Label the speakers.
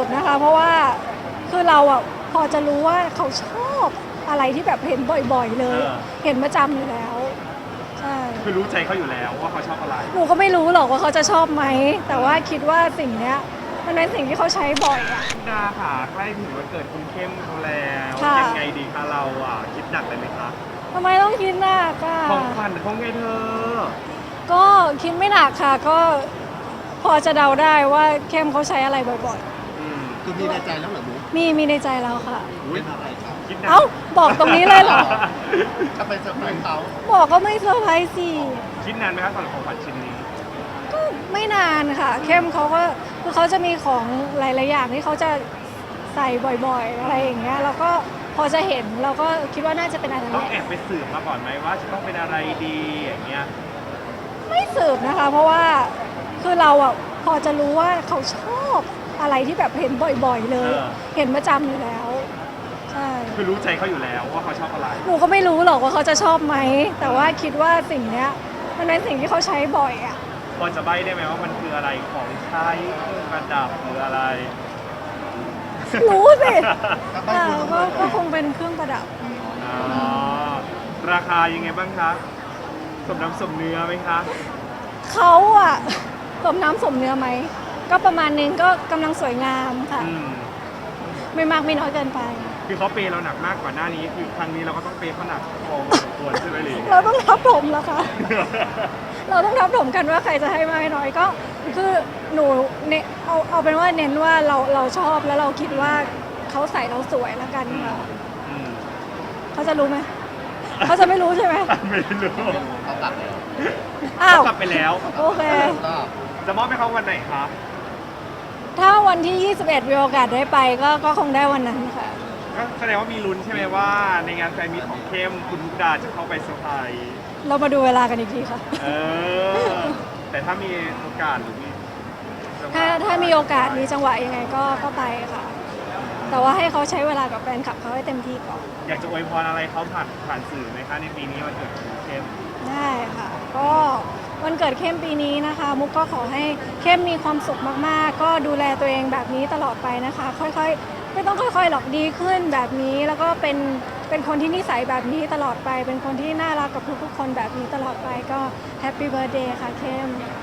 Speaker 1: บนะคะเพราะว่าคือเราอ่ะพอจะรู้ว่าเขาชอบอะไรที่แบบเห็นบ่อยๆเลย เห็นประจำอยู่แล้วใช่
Speaker 2: คือรู้ใจเขาอยู่แล้วว่าเขาชอบอะไร
Speaker 1: หนูก็ไม่รู้หรอกว่าเขาจะชอบไหมแต่ว่าคิดว่าสิ่งเนี้ยมันเป็นสิ่งที่เขาใช้บ่อยอ่ะ
Speaker 2: ดาค่ะใกล้ถึงวันเกิดคุณเข้มเขาแล้ว
Speaker 1: ค่ะ
Speaker 2: ยังไงดีคะเราอ่ะคิดหนักเลยไหมคะ
Speaker 1: ทำไมต้องคิดหนักอ่ะ
Speaker 2: ของขวัญเขาไงเธอ
Speaker 1: ก็คิดไม่หนักค่ะก็พอจะเดาได้ว่าเข้มเขาใช้อะไรบ่อย
Speaker 2: อืม
Speaker 3: คือมีในใจแล้วเหรอบุ๊ก
Speaker 1: ๆมีในใจแล้วค่ะ
Speaker 2: อุ๊ย
Speaker 3: เป็นอะไรครับ
Speaker 2: คิดหนัก
Speaker 1: เอ้าบอกตรงนี้เลยเหรอ
Speaker 3: ถ้าเป็นเซอร์ไพรส์เขา
Speaker 1: บอกก็ไม่เซอร์ไพรส์สิ
Speaker 2: คิดนานไหมคะสำหรับของขวัญชิ้นนี้
Speaker 1: ก็ไม่นานค่ะ เข้มเขาก็คือเขาจะมีของหลายๆอย่างที่เขาจะใส่บ่อยๆ อะไรอย่างเงี้ยเราก็พอจะเห็นเราก็คิดว่าน่าจะเป็นอะไร
Speaker 2: ต้อง
Speaker 1: แห
Speaker 2: แอ
Speaker 1: ละ
Speaker 2: บไปสืบมาก่อนไหมว่าจะต้องเป็นอะไรดีอย่างเงี้ย
Speaker 1: ไม่สืบนะคะ เพราะว่าคือเราอ่ะพอจะรู้ว่าเขาชอบอะไรที่แบบเห็นบ่อยๆ เลย เห็นประจำอยู่แล้วใช่
Speaker 2: คือรู้ใจเขาอยู่แล้วว่าเขาชอบอะไร
Speaker 1: หนูก็ไม่รู้หรอกว่าเขาจะชอบไหมแต่ว่าคิดว่าสิ่งเนี้ยมันเป็นสิ่งที่เขาใช้บ่อยอ่ะ
Speaker 2: พอจะใบ้ได้ไหมว่ามันคืออะไรของใช้เครื่องประดับหรืออะไร
Speaker 1: รู้สิ
Speaker 3: ถ้าไป
Speaker 1: อ่า
Speaker 3: ดู
Speaker 1: ก็คงเป็นเครื่องประดับ
Speaker 2: อ๋อ ราคายังไงบ้างคะ สมน้ำสมเนื้อไหมคะ
Speaker 1: เขาอะสมน้ำสมเนื้อไหมก็ประมาณนึงก็กำลังสวยงามค่ะ
Speaker 2: อืม
Speaker 1: ไม่มากไม่น้อยเกินไป
Speaker 2: คือเขาเปย์เราหนักมากกว่าหน้านี้ คือครั้งนี้เราก็ต้องเปย์เขาหนักพอสมควรใช่ไหมหรือ
Speaker 1: เราต้องทับถมแล้วค่ะ เราต้องทับถมกันว่าใครจะให้มากให้น้อยก็คือหนูเนี่ยเอาเป็นว่าเน้นว่าเราชอบแล้วเราคิดว่าเขาใส่เราสวยแล้วกันค่ะ
Speaker 2: อืม
Speaker 1: เขาจะรู้ไหมเขาจะไม่รู้ใช่ไหม
Speaker 2: ไม่รู้
Speaker 3: เขากลับแล้ว
Speaker 1: อ้าว
Speaker 2: เขากลับไปแล้ว
Speaker 1: โอเค
Speaker 3: ก็
Speaker 2: จะมอบให้เขาวันไหนคะ
Speaker 1: ถ้าวันที่ 21 มีโอกาสได้ไปก็คงได้วันนั้นค่ะ
Speaker 2: ก็แสดงว่ามีลุ้นใช่ไหมว่า ในงานแฟนมีตของเข้มคุณมุกดาจะเข้าไปเซอร์ไพรส์
Speaker 1: เรามาดูเวลากันอีกทีค่ะ
Speaker 2: เออ แต่ถ้ามีโอกาสหรือมีจังหวะ
Speaker 1: ถ้ามีโอกาสมีจังหวะยังไงก็ไปค่ะ แต่ว่าให้เขาใช้เวลากับแฟนคลับเขาให้เต็มที่ก่อน
Speaker 2: อยากจะอวยพรอะไรเขาผ่านสื่อไหมคะในปีนี้วันเกิดของเข้ม
Speaker 1: ได้ค่ะ ก็วันเกิดเข้มปีนี้นะคะ มุกก็ขอให้เข้มมีความสุขมากๆ ก็ดูแลตัวเองแบบนี้ตลอดไปนะคะ ค่อยๆ ไม่ต้องค่อยๆหรอกดีขึ้นแบบนี้ แล้วก็เป็นคนที่นิสัยแบบนี้ตลอดไป เป็นคนที่น่ารักกับทุกๆคนแบบนี้ตลอดไปก็แฮปปี้เบิร์ดเดย์ค่ะเข้ม